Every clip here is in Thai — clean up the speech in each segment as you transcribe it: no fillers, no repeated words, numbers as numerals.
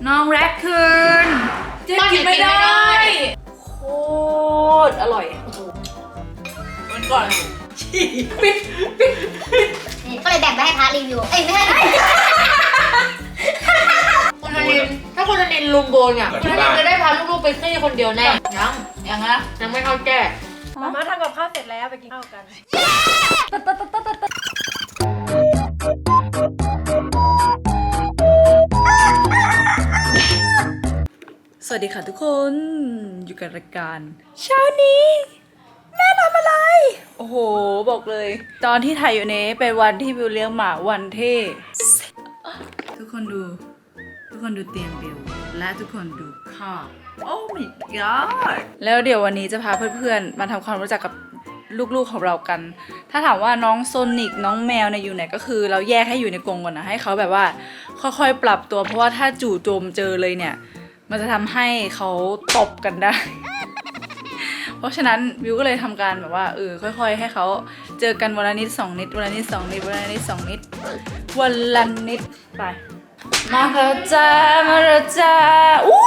น้องแร็คคูนเจ๊กินไม่ได้โคตรอร่อยวันก่อนฉี่ปิดก็เลยแบ่งไปให้พาร์ทรีวิวไม่ให้คุณธนินถ้าคุณธนินลุมโบนเนี่ยคุณธนินจะได้พาลูกๆไปซี่คนเดียวแน่ยังนะยังไม่เข้าแก่มาทำกับข้าวเสร็จแล้วไปกินข้าวกันสวัสดีค่ะทุกคนอยู่กับรายการเช้านี้แม่ทำอะไรโอ้โหบอกเลยตอนที่ถ่ายอยู่นี้เป็นวันที่บิวเลี้ยงหมาวันที่ทุกคนดูเตียงบิวและทุกคนดูข้าวโอ้ my god แล้วเดี๋ยววันนี้จะพาเพื่อนๆมาทำความรู้จักกับลูกๆของเรากันถ้าถามว่าน้องโซนิกน้องแมวเนี่ยอยู่ไหนก็คือเราแยกให้อยู่ในกรงก่อนนะให้เขาแบบว่าค่อยๆปรับตัวเพราะว่าถ้าจู่โจมเจอเลยเนี่ยมันจะทำให้เขาตบกันได้ เพราะฉะนั้นวิวก็เลยทำการแบบว่าค่อยๆให้เขาเจอกันวันละนิด2นิดวันละนิด2นิดวันละนิด2นิดวันละนิดไปมาแล้วจ้ามาแล้วจ้าอู้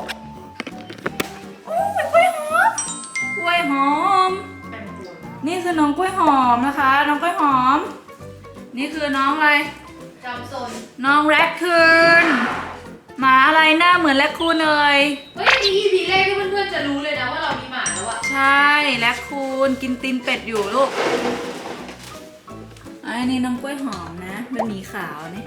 กล้วยหอมกล้วยหอมนี่คือน้องกล้วยหอมนะคะน้องกล้วยหอมนี่คือน้องอะไรจอมโซนน้องแร็คคูนหมาอะไรหน้าเหมือนแร็คคูนเลยเฮ้ยนี่ EP แรกที่เพื่อนๆจะรู้เลยนะว่าเรามีหมาแล้วอะใช่แร็คคูนกินตีนเป็ดอยู่ลูกอันนี้น้องกล้วยหอมนะเป็นหมีขาวนี่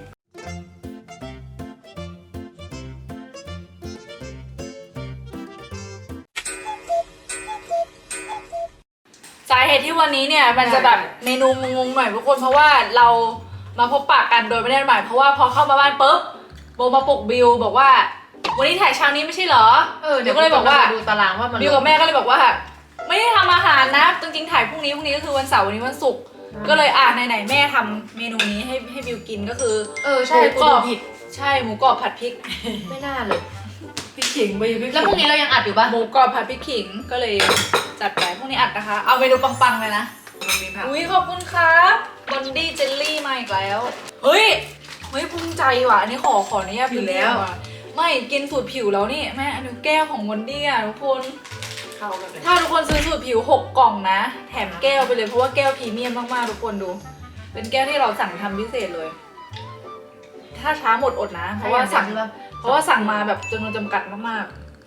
สาเหตุที่วันนี้เนี่ยมันจะแบบเมนูงงๆหน่อยทุกคนเพราะว่าเรามาพบปะกันโดยไม่ได้หมายเพราะว่าพอเข้ามาบ้านปุ๊บโบมาปลุกบิวบอกว่าวันนี้ถ่ายเช้านี้ไม่ใช่เหรอเดี๋ยวก็เลยบอกว่าดูตารางว่ามันบิวกับแม่ก็เลยบอกว่าไม่ได้ทำอาหารนะจริงๆถ่ายพรุ่งนี้ก็คือวันเสาร์วันนี้วันศุกร์ก็เลยไหนแม่ทำเมนูนี้ให้บิวกินก็คือใช่หมูกรอบผิดใช่หมูกรอบผัดพริกไม่น่าเลยพริกขิงไปพริกแล้วพรุ่งนี้เรายังอัดอยู่ป่ะหมูกรอบผัดพริกขิงก็เลยจัดไปพรุ่งนี้อัดนะคะเอาเมนูปังๆเลยนะอุ้ยขอบคุณครับบอนดี้เจลลี่มาอีกแล้วเฮ้ยภูมิใจว่ะอันนี้ขออนุญาตผิวแล้วไม่กินสูตรผิวแล้วนี่แม่อันนี้แก้วของบอนดี้อ่ะทุกคนถ้าทุกคนซื้อสูตรผิว6กล่องนะแถมแก้วไปเลยเพราะว่าแก้วพรีเมียมมากๆทุกคนดูเป็นแก้วที่เราสั่งทำพิเศษเลยถ้าช้าหมดอดนะเพราะว่าสั่งมาแบบจำนวนจำกัดมาก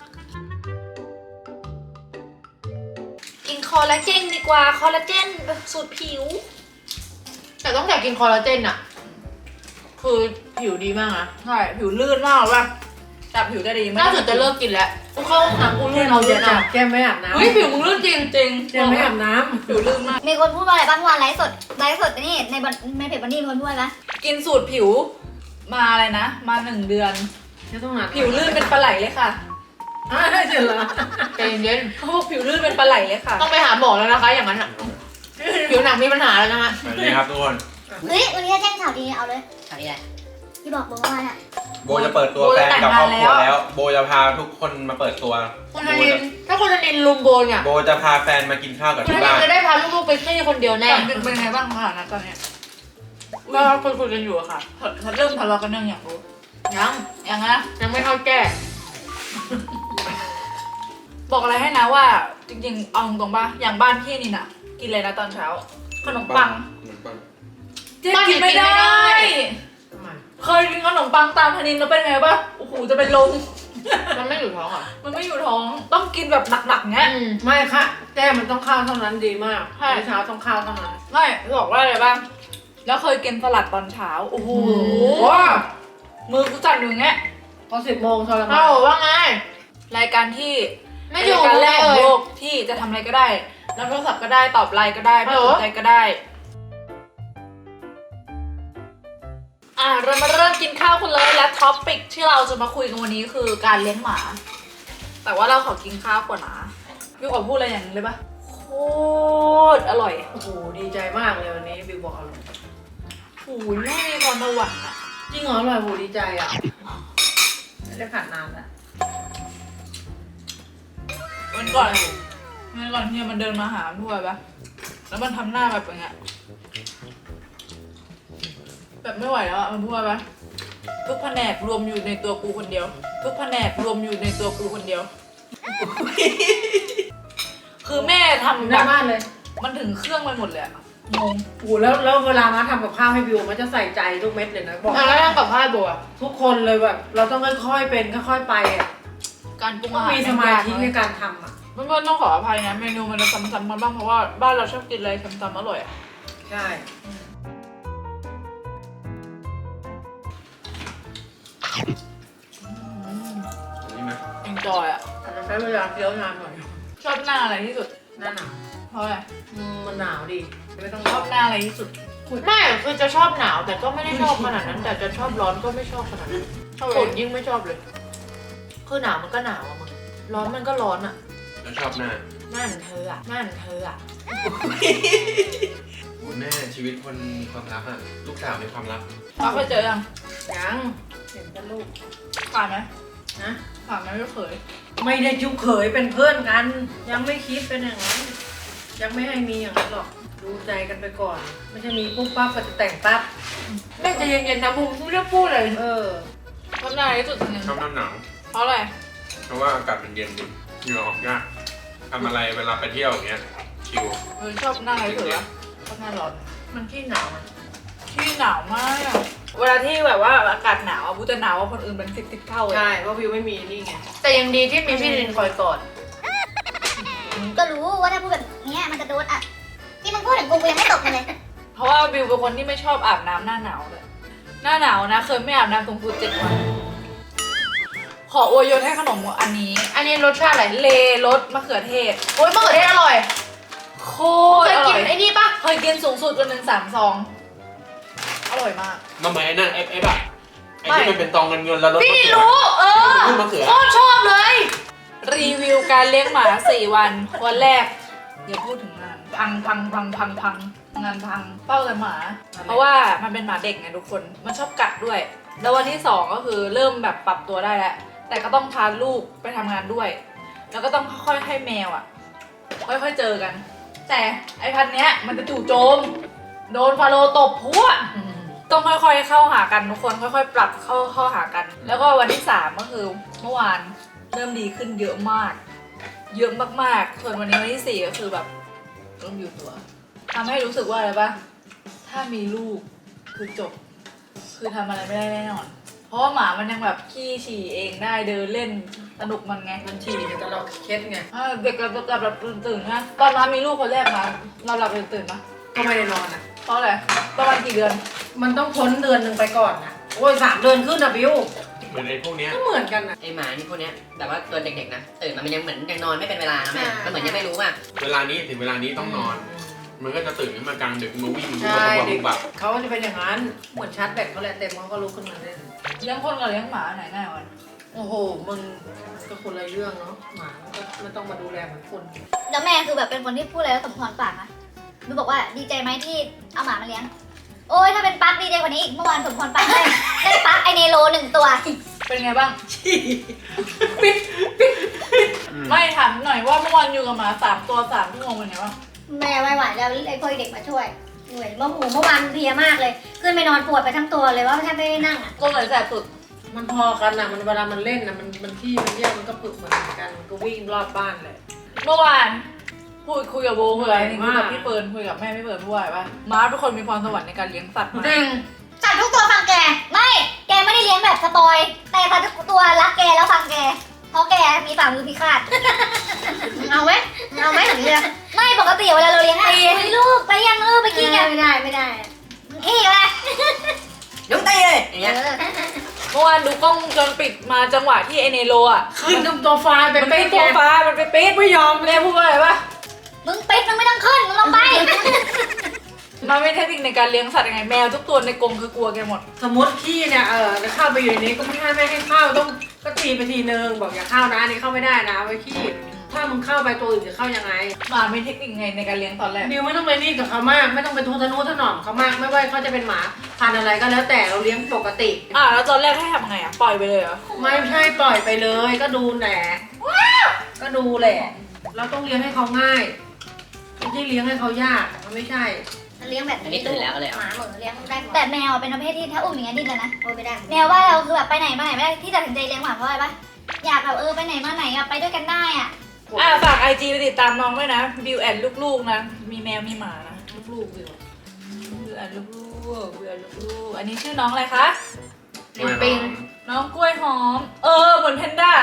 ๆกินคอลลาเจนดีกว่าคอลลาเจนสูตรผิวแต่ต้องอยากกินคอลลาเจนอะคือผิวดีมากนะใช่ผิวลื่นมากเลยจับผิวได้ดีมากน่าจะเลิกกินแล้วกูเข้าห้องน้ำกูลื่นเอาเยอะนะแก้มไม่อาบน้ำผิวมึงลื่นจริงแก้มไม่อาบน้ำผิวลื่นมากมีคนพูดว่าอะไรบ้างวันไลฟ์สดนี่ในเพจบันนี่มีคนพูดไหมกินสูตรผิวมาอะไรนะมา1 เดือนผิวลื่นเป็นปลาไหลเลยค่ะเจ๋งละใจเย็นเขาบอกผิวลื่นเป็นปลาไหลเลยค่ะต้องไปหาหมอแล้วนะคะอย่างนั้นอ่ะผิวหนังมีปัญหาแล้วนะคะสวัสดีครับทุกคนเฮ้ยวันนี้แจ้งข่าวดีเอาเลยข่าวดีอะไรที่บอกว่าเนี่ยโบจะเปิดตัวแฟนกับครอบครัวแล้วโบจะพาทุกคนมาเปิดตัวคุณธนินถ้าคุณธนินลุมโบนเนี่ยโบจะพาแฟนมากินข้าวกับที่บ้านจะได้พาลูกๆไปซี่คนเดียวแน่เป็นไงบ้างคะนะตอนนี้ก็คุยกันอยู่อะค่ะเริ่มทะเลาะกันยังอยากรู้ยังนะยังไม่เข้าแก่บอกอะไรให้นะว่าจริงๆเอาตรงๆป่ะอย่างบ้านพี่นี่น่ะกินอะไรนะตอนเช้าขนมปังเจ๊กินไม่ได้เคยกินขนมปังตามธนินแล้วเป็นไงป่ะโอ้โหจะเป็นลมมันไม่อยู่ท้องอ่ะมันไม่อยู่ท้องต้องกินแบบหนักๆเงี้ยไม่ค่ะแก้มันต้องข้าวเท่านั้นดีมากเช้าต้องข้าวเท่านั้นไม่บอกว่าอะไรบ้างแล้วเคยกินสลัดตอนเช้าโอ้โหมือกูสั่นอยู่เงี้ยพอ10 โมงทรมานว่าไงรายการที่ไม่อยู่การแรกของโลกที่จะทำอะไรก็ได้รับโทรศัพท์ก็ได้ตอบไลน์ก็ได้ไม่สนใจก็ได้เรามาเริ่มกินข้าวกันเลยและท็อปปิกที่เราจะมาคุยกันวันนี้คือการเลี้ยงหมาแต่ว่าเราขอกินข้าวก่อนนะพี่ขอพูดอะไรอย่างนึงเลยปะโคตรอร่อยโอ้โหดีใจมากเลยวันนี้บิวบอกอร่อยโอ้ยแม่มีความหวานอ่ะจริงเหรออร่อยโหดีใจอ่ะไม่ได้ผ่านนานแล้ววันก่อนที่มันเดินมาหาทั่วปะแล้วมันทำหน้าแบบอย่างเงี้ยแบบไม่ไหวแล้วอ่ะมันพูดปะทุกแผนกรวมอยู่ในตัวกูคนเดียว ทุกแผนกรวมอยู่ในตัวกูคนเดียว คือแม่ทำหแบน้าบบ้านเลยมันถึงเครื่องไปหมดเลยอะงงโอ้แล้วเวลามาทำกับข้าวให้บิวมันจะใส่ใจทุกเม็ดเลยนะบอกแล้วทำกับข้าวบัวทุกคนเลยแบบเราต้องค่อยๆเป็นค่อยๆไปอ่ะการปรุงต้ออาง หารมีสมาธิในการทำอ่ะเพื่อนๆต้องขออภัยนะเมนูมันจะซ้ำๆมาบ้างเพราะว่าบ้านเราชอบกินอะไรซ้ำๆอร่อยอะใช่นี่ไหมเอนจอยอะอาจจะใช้เวลาเคี้ยวนานหน่อยชอบหน้าอะไรที่สุดหน้าหนาวเพราะอะไรมันหนาวดีไม่ต้องชอบหน้าอะไรที่สุดไม่คือจะชอบหนาวแต่ก็ไม่ได้ชอบขนาดนั้น แต่จะชอบร้อนก็ไม่ชอบขนาดนั้นฝนยิ่งไม่ชอบเลย คือหนาวมันก็หนาวอะมึงร้อนมันก็ร้อนอะแล้วชอบหน้านั่นเธออะนั่นเธออะโอ้แม่ชีวิตคนมีความรักอะลูกสาวมีความรักเราเคยเจอยังยังเห็นแต่ลูกผ่านไหมนะผ่านไหมไม่เคยไม่ได้จุกเขยเป็นเพื่อนกัน ยังไม่คิดเป็นอย่างนั้นยังไม่ให้มีอย่างนั้นหรอกดูใจกันไปก่อน ไม่ใช่มีปุ๊บปั๊บก็จะแต่งปั๊บแม่ใจะเย็นๆนะบุ้มไม่ได้พูดเลยเออชอบหน้าอะไรที่สุดจริงชอบหน้าหนาวๆเพราะอะไรเพราะว่าอากาศมันเย็นดีเหงื่อออกยากทำอะไรเวลาไปเที่ยวอย่างเงี้ยชิลชอบหน้าอะไรที่สุดวะชอบหน้าร้อนมันขี้หนาวอะที่หนาวมาก เวลาที่แบบว่าอากาศหนาวอะบูจะหนาวกว่าคนอื่นเป็นสิบเท่าเลยใช่เพราะวิวไม่มีนี่ไงแต่ยังดีที่มีพี่ลินคอยกอดก็รู้ว่าถ้าพูดแบบเนี้ยมันจะโดนอ่ะที่มึงพูดถึงกูยังไม่ตกเลยเพราะว่าบิวเป็นคนที่ไม่ชอบอาบน้ำหน้าหนาวเลย หน้าหนาวนะเคยไม่อาบน้ำตรงกู7 วัน ขออวยยศให้ขนมอันนี้อันนี้รสชาติอะไรเลรสมะเขือเทศโอ๊ยมะเขือเทศอร่อยโคเคตรยอกิร่นอยไอ้นี่ปะเคยกินสูงสุดวันหนึ่ง3 ซอง อร่อยมากมันเหมือนไอ้นั่นเอฟอะไอ้ที่มันเป็นตองเงินแล้วรถพี่ลินรู้ลูกมะเขือโคตรชอบเลยรีวิวการเลี้ยงหมา 4 วัน วันแรกอย่าพูดถึงงานพังงานพังเป้าแต่หมา เพราะว่ามันเป็นหมาเด็กไงทุกคน มันชอบกัดด้วย แล้ววันที่ 2 ก็คือเริ่มแบบปรับตัวได้แล้ว แต่ก็ต้องพาลูกไปทำงานด้วย แล้วก็ต้องค่อยๆให้แมวอ่ะ ค่อยๆเจอกัน แต่ไอ้พันเนี้ยมันจะจู่โจม โดนฟาโรห์ตบพัวต้องค่อยๆเข้าหากันทุกคนค่อยๆ ปรับเข้าหากัน แล้วก็วันที่ 3 ก็คือเมื่อวานเริ่มดีขึ้นเยอะมาก เยอะมากๆ ส่วนวันนี้วันที่ 4 ก็คือแบบเริ่มอยู่ตัวทำให้รู้สึกว่าอะไรปะถ้ามีลูกคือจบ คือทำอะไรไม่ได้แน่นอน เพราะว่าหมามันยังแบบขี้ฉี่เองได้เดินเล่นสนุกมันไงมันฉี่แต่เราเคล็ดไงเด็กแบบตื่นๆนะตอนมามีลูกคนแรกมาเราหลับตื่นๆปะก็ไม่ได้นอนอ่ะเพราะอะไรประมาณกี่เดือนมันต้องพ้นเดือนหนึ่งไปก่อนนะโอ้ย3 เดือนขึ้นนะบิวเหมือนไอ้พวกเนี้ยก็เหมือนกันนะไอหมานี่พวกเนี้ยแบบว่าตัวเด็กๆนะตื่นมามันยังเหมือนยังนอนไม่เป็นเวลานะแม่มันเหมือนยังไม่รู้ว่าเวลานี้ถึงเวลานี้ต้องนอน มันก็จะตื่นขึ้นมากลางดึกมาวิ่งใช่บุเด็กกบักเขาจะเป็นอย่างนั้นเหมือนชาร์จแบตเขาแหละเต็มเขาก็ลุกขึ้นมาเล่นเลี้ยงคนกับเลี้ยงหมาไหนง่ายกว่ากันโอ้โหมึงก็คนละเรื่องเนาะหมามันก็ไม่ต้องมาดูแลเหมือนคนแล้วแม่คือแบบเป็นคนที่พูดอะไรแล้วสมพรปากนะหนูบอกว่าดีใจไหมที่เอาหมามาเลี้ยง โอ้ยถ้าเป็นปั๊กดีใจกว่านี้อีกเมื่อวานสมพรปากได้ปั๊กไอเนโร1 ตัวเป็นไงบ้างไม่ถามหน่อยว่าเมื่อวานอยู่กับหมา3 ตัว3 ชั่วโมงเป็นไงบ้างแม่ไม่ไหวแล้วไอ้พวกเด็กมาช่วยเหนื่อยเมื่อวานเพลียมากเลย ขึ้นไปนอนปวดไปทั้งตัวเลยว่าแทบไม่ได้นั่งอ่ะตัวไหนแสบสุดมันพอกันนะมันเวลามันเล่นนะมันขี้มันเยี่ยมมันก็ปึกเหมือนกันมันก็วิ่งรอบบ้านเลยเมื่อวานคุยกับโบคุยกับนี่คุยกับว่าพี่เฟิร์นคุยกับแม่พี่เฟิร์นพูดว่าอะไรปะม้าทุกคนมีพรสวรรค์ในการเลี้ยงสัตว์มากจริงสัตว์ทุกตัวฟังแก ไม่ แกไม่ได้เลี้ยงแบบสปอย แต่สัตว์ทุกตัวรักแกแล้วฟังแก เพราะแกมีฝ่ามือพิฆาต เอาไหมเอาไหมอย่างนี้เลยไม่ปกติเวลาเราเลี้ยงไปลูกไปยังลูกไปกินกันไม่ได้อีกเลยยกตีเลยอย่างเงี้ยเมื่อวานดูกล้องวงจรปิดมาจังหวะที่ไอเนโรอ่ะขึ้นตัวไฟล์ไปมันเป๊เป็นตัวะฟ้ามันไปปิดไม่ยอมแม่พูดว่าอะไรปะมึงปิดมึงไม่ต้องขึ้นมึงลงไปมันไม่เทคนิคในการเลี้ยงสัตว์ยังไงแมวทุกตัวในกรงคือกลัวแกหมดสมมติขี้เนี่ยจะเข้าไปอยู่ในนี้ก็ไม่ให้เข้าต้องก็ตีไปทีนึงบอกอย่าเข้านะอันนี้เข้าไม่ได้นะไว้ขี้ถ้ามึงเข้าไปตัวอื่นจะเข้ายังไงหมามีเทคนิคไงในการเลี้ยงตอนแรกดิวไม่ต้องไปนี่กับเขามาก ไม่ต้องไปทุทะนุถนอมเขามากไม่ว่าเขาจะเป็นหมาพันธุ์อะไรก็แล้วแต่เราเลี้ยงปกติแล้วตอนแรกให้ทำไงอ่ะปล่อยไปเลยเหรอไม่ใช่ปล่อยไปเลยก็ดูแหละก็ดูแหละเราต้องเลี้ยงให้เขาง่ายไม่ใช่เลี้ยงให้เขายากมันไม่ใช่เลี้ยงแบบอันนี้ตื่นแล้วก็เลยหเอามาเหมือนเลี้ยงได้แต่แมวเป็นประเภทที่ถ้าอุ้มอย่างเงี้ยดิ้นเลยนะไม่ได้แมวว่าเราคือแบบไปไหนมาไหนไม่ได้ที่ตัดสินใจเลี้ยงหมาเพราะอะไรปะอยากแบบไปไหนมาไหนอะไปด้วยกันได้อะฝากไอจีไปติดตามน้องด้วยนะบิวแอนลูกๆนะมีแมวมีหมานะลูกๆบิวแอนลูกๆบิวแอนลูกๆอันนี้ชื่อน้องอะไรคะน้องปิงน้องกล้วยหอมเหมือนแพนด้า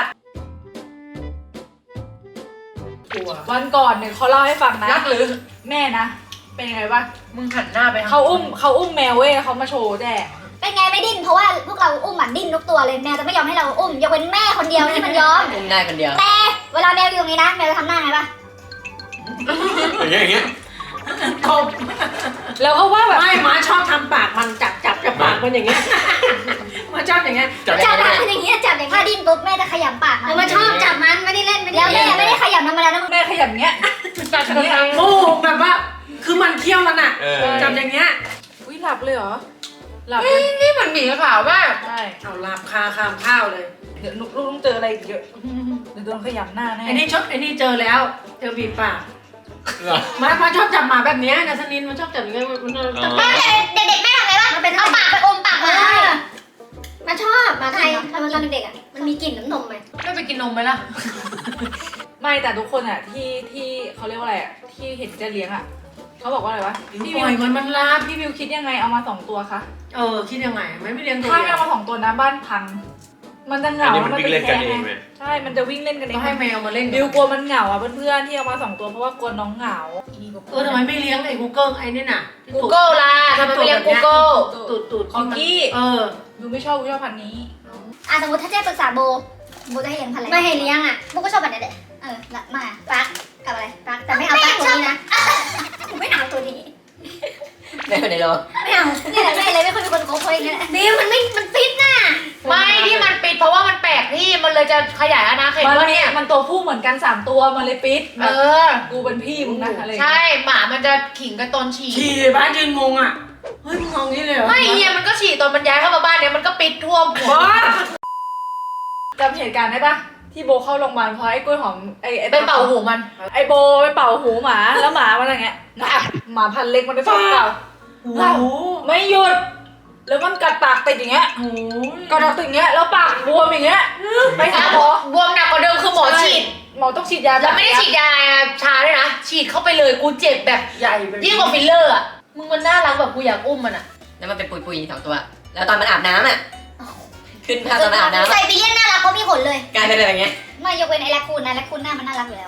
กลัววันก่อนเนี่ยเขาเล่าให้ฟังนะรักหรือแม่นะเป็นยังไงบ้างมึงหันหน้าไปเขาอุ้มแมวเว้ยเขามาโชว์แด่เป็นไงไม่ดิ้นเพราะว่าพวกเราอุ้มมันดิ้นทุกตัวเลยแมวจะไม่ยอมให้เราอุ้มยกเว้นแม่คนเดียวที่มันยอมอุ้มได้คนเดียวแต่เวลาแมวอยู่ตรงนี้นะแมวจะทำหน้าไงปะอย่างเงี้ยตบแล้วเขาว่าแบบไม่หมาชอบทำปากมันจับกับปากมันอย่างเงี้ยหมาชอบอย่างเงี้ยจับจับมันอย่างเงี้ยจับอย่างถ้าดิ้นปุ๊บแม่จะขยำปากมันชอบจับมันไม่ได้เล่นแล้วแม่ไม่ได้ขยำธรรมดานะแม่ขยับเงี้ยจับอย่างเงี้ยโอ้แบบว่าคือมันเคี้ยวมันอะเออจับอย่างเงี้ยอุ้ยหลับเลยเหรอหลับเลยนี่มันหมีขาวมากใช่เอาลาบคาคามข้าวเลยเดี๋ยวลูกต้องเจออะไรอีกเยอะเดี๋ยวโดนขยำหน้าแน่ไอ้นี่เจอแล้วเจอบีบปากเหรอมาชอบจับหมาแบบเนี้ยนะสนินมันชอบจับอย่างเงี้ยมันจับอ๋อเด็กๆแม่ทำไงบ้างมันเป็นเอาปากไปอมปากมันมันชอบมาไทยตอนเด็กๆอ่ะมันมีกลิ่นน้ำนมไหมไม่ไปกินนมไหมล่ะไม่แต่ทุกคนอ่ะที่เขาเรียกว่าอะไรอ่ะที่เห็นจะเลี้ยงอ่ะเขาบอกว่าอะไรวะพี่ปวิล่อยว มันลาบพี่วิวคิดยังไงเอามา2 ตัวคะคิดยังไงไม่เลี้ยงตัวถ้าเดีไม่ยวเอามา2 ตัวนะบ้านพัง มันจะเหอันงานี้มันวิ่งเล่นกันเองไงไหมใช่มันจะวิ่งเล่นกันเอต้องงให้แมวมาเล่นบิวกลัวมันเหงาอ่ะเพื่อนๆที่เอามา2 ตัวเพราะว่ากลัวน้องเหงาทำไมไม่เลี้ยงไอ้ Google ไอ้นี่น่ะ Google ล่ะทำไมไม่เรียก Google ตูดคอกกี้ บิวไม่ชอบพันธุ์นี้สมมติถ้าเจ๊ปรึกษาโบจะให้เลี้ยงพันธุ์อะไรไม่ให้เลี้ยงอ่ะโบก็ชอบแบบนี้แหละมาปักกับอะไรปักแต่ไม่เอาปักตัวนี้นะไม่เอาตัวนี้ได้คนในโลไม่เอานี่แหละแม่เลยไม่ค่อยมีคนโค้ชเลยบีมมันฟิตน่ะไม่ที่มันปิดเพราะว่ามันแปลกที่มันเลยจะขยายอาณาเขตว่าเนี่ยมันตัวผู้เหมือนกัน3 ตัวมันเลยปิดเออกูเป็นพี่มึงนะอะไรอย่างใช่เงี้ยหมามันจะขิงกันตอนฉี่ขี่บ้านยืนงงอ่ะเฮ้ยมึงงงงี้เลยเหรอไม่เฮียมันก็ฉี่ตอนมันย้ายเข้ามาบ้านเนี่ยมันก็ปิดท่วมหัวจำเหตุการณ์ได้ปะที่โบเข้าโรงพยาบาลเพราะไอ้กล้วยหอมไอ้ไปเป่าหูมันไอ้โบไปเป่าหูหมาแล้วหมามันอย่างเงี้ยหมาพันเล็กมันไปเป่าโอ้โหไม่หยุด แล้วมันกัดปากติดอย่างเงี้ยโอ้ยกัดปากติดอย่างเงี้ยแล้วปากบวมอย่างเงี้ยไปหาหมอบวมหนักกว่าเดิมคือหมอฉีดหมอต้องฉีดยาแล้วไม่ได้ฉีดยาชาด้วยนะ ฉีดเข้าไปเลยกูเจ็บแบบใหญ่ไปยิ่งกว่าฟิลเลอร์อ่ะ มึงมันน่ารักแบบกูอยากอุ้มมันอ่ะแล้วมันเป็นปุยๆ2 ตัว แล้วตอนมันอาบน้ำอ่ะ ขึ้นภาพตอนมันอาบน้ำไซบีเรียนน่ารักเพราะมีขนเลยกลายเป็นแบบอย่างเงี้ยไม่ยกเว้นไอ้แรคคูนนะแรคคูนหน้ามันน่ารักอยู่แล้ว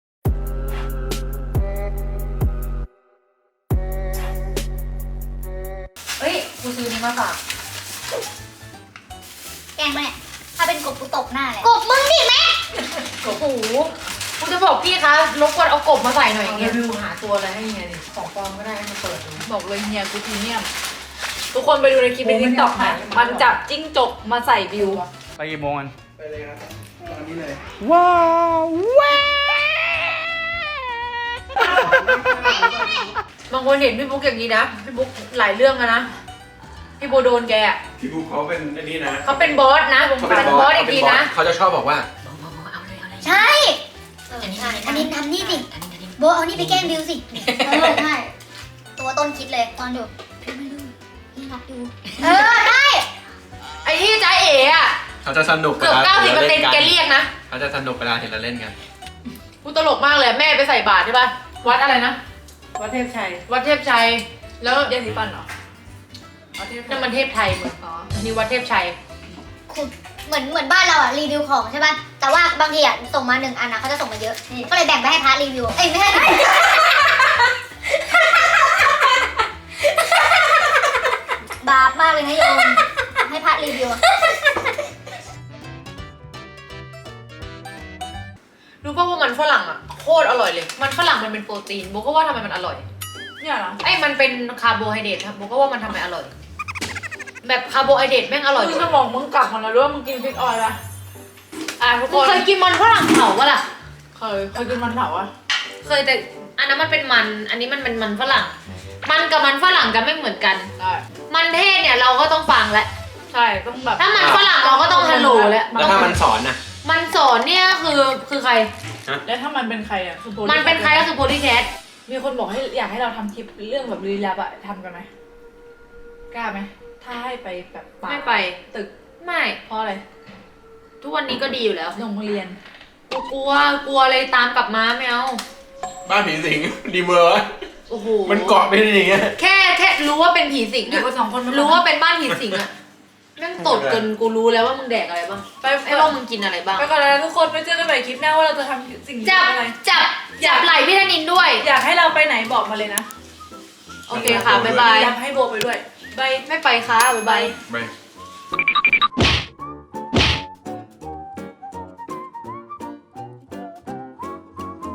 เฮ้ย กูซื้อนี้มาฝากแกล้งปะเนี่ยถ้าเป็นกบกูตบหน้าเลยกบมึงดิแม่โอ้โหกูจะบอกพี่คะรบกวนเอากบมาใส่หน่อยอย่างรีเงี้ยวิวหาตัวอะไรให้เฮียดิของปลอมก็ได้ให้มาเปิดดูบอกเลยเฮียกูพรีเมียม ทุกคนไปดูในคลิปในทิกตอกนะมันจับจิ้งจกมาใส่บิวไปกี่โมงกันบางคนเห็นพี่บุ๊กอย่างนี้นะ พี่บุ๊กหลายเรื่องอะนะ พี่โบโดนแกอะพี่บุ๊คเขาเป็นอันนี้นะเขาเป็นบอสนะวงการบอสอีกทีนะเขาจะชอบบอกว่าใช่อันนี้ทำนี่สิโบเอานี่ไปแกล้งบิวสิใช่ตัวต้นคิดเลยตอนอยู่พี่ไม่รู้นี่รักอยู่ได้ไอ้ที่จ้าเอ๋อะเขาจะสนุกเกือบ 90%แกเรียกนะเขาจะสนุกเวลาเห็นเราเล่นกันกูตลกมากเลยแม่ไปใส่บาตรใช่ป่ะ วัดอะไรนะวัดเทพชัยวัดเทพชัย แล้วยาสีฟันเหรอเอาที่นั่นมันเทพไทยมึงอ๋ออันนี่วัดเทพชัยคุณเหมือนบ้านเราอ่ะรีวิวของใช่ป่ะแต่ว่าบางทีอ่ะส่งมา1 อันนะเขาจะส่งมาเยอะก็เลยแบ่งไปให้พาร์ทรีวิวไม่ใช่บาปมากเลยนะโยมให้พาร์ทรีวิวรู้ป่ะว่ามันฝรั่งอ่ะโคตรอร่อยเลย มันฝรั่งมันเป็นโปรตีนโบก็ว่าทำไมมันอร่อยเนี่ยเหรอไอ้มันเป็นคาร์โบไฮเดรตครับโบก็ว่ามันทำไมอร่อย แบบคาร์โบไฮเดรตแม่งอร่อยคือสมองมึงกลับมาแล้วด้วยมึงกินพริกออยล์ปะทุกคมึงนเคยกินมันฝรั่งเผาปะล่ะเคยกินมันเผาอ่ะเคยแต่อันนั้นมันเป็นมัน อันนี้มันเป็นมันฝรั่ง มันกับมันฝรั่งจะไม่เหมือนกันได้มันเทศเนี่ยเราก็ต้องฟังแล้วใช่ต้องแบบถ้ามันฝรั่งเราก็ต้องฮัลโหลแล้วแล้วถ้ามันสอนน่ะมันสอนเนี่ยคือใครแล้วถ้ามันเป็นใครอ่ะคือโพลีมันเป็นใครก็คือโพลีแคทมีคนบอกให้อยากให้เราทำคลิปเรื่องแบบลี้ลับอะทำกันไหมกล้าไหมถ้าให้ไปแบบป่าไม่ไปตึกไม่เพราะอะไรทุกวันนี้ก็ดีอยู่แล้วโรงเรียนกูกลัวเลยตามกลับมาไม่เอาบ้านผีสิงดีเมอร์วะโอ้โหมันเกาะไปอย่างเงี้ยแค่รู้ว่าเป็นผีสิงเด็กอะคนสองคนมันรู้ว่าเป็นบ้านผีสิงอะแม่งตดจนกูรู้แล้วว่ามึงแดกอะไรบ้างไปไอ้ว่ามึงกินอะไรบ้างไปก่อนนะทุกคนไปเจอกันใหม่คลิปหน้าว่าเราจะทำสิ่งนี้จับอะไรจับไหล่พี่ธนินด้วยอยากให้เราไปไหนบอกมาเลยนะโอเคค่ะบ๊ายบายอยากให้โบไปด้วยบายไม่ไปค่ะบ๊ายบายไป